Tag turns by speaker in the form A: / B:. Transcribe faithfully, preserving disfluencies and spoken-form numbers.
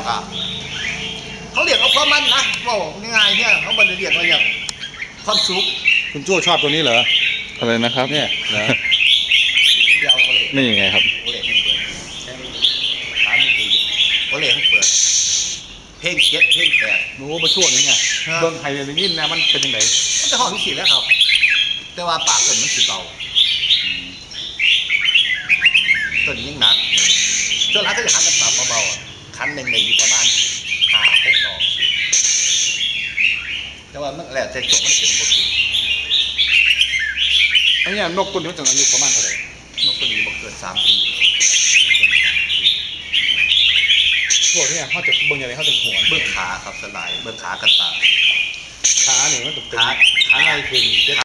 A: เขากะเขาเรียกเอาความมันนะว่าง่ายๆเนี่ยเขาบรรเรียกว่าอย่างความสุข
B: คุณโจ้ชอบตัวนี้เหรอ
C: อะไรนะครับ
B: เนี่ยนะ
A: เดี๋ยวเอาเลย
C: นี่ยังไงครับ
A: โอเล่ให้เปิดร้านนี้ดีโอเล่ให้เปิดเพลงเจ็ดเพลงแปด
B: โอ้มาช่วงนี้ไงเบิ้งไทยเลยนี่นะมันเป็นยังไง
A: มันจะห้องที่สี่แล้วครับแต่ว่าปากต้นมันสิเบาต้นยิ่งหนักช่วงนั้นก็จะหันกันปรับเบาๆคันหนึ่งในอยู่ประมาณห้าหกดอกแต่ว่ามันแล้วแต่จบมันเป็นปกติ
B: ไอ้เนี่ยนกตัวนี้มันจะอายุประมาณเท่าไหร่
A: นกตัวนี้บอกเกินสามปี
B: พวกนี้เขาจะเบิ้งยังไงเขาจะหัว
A: เบื้องขาครับสลายเบื้องขากันตา
B: ขาเนี่ยมันจะเป็น
A: ขา
B: ขาในคืน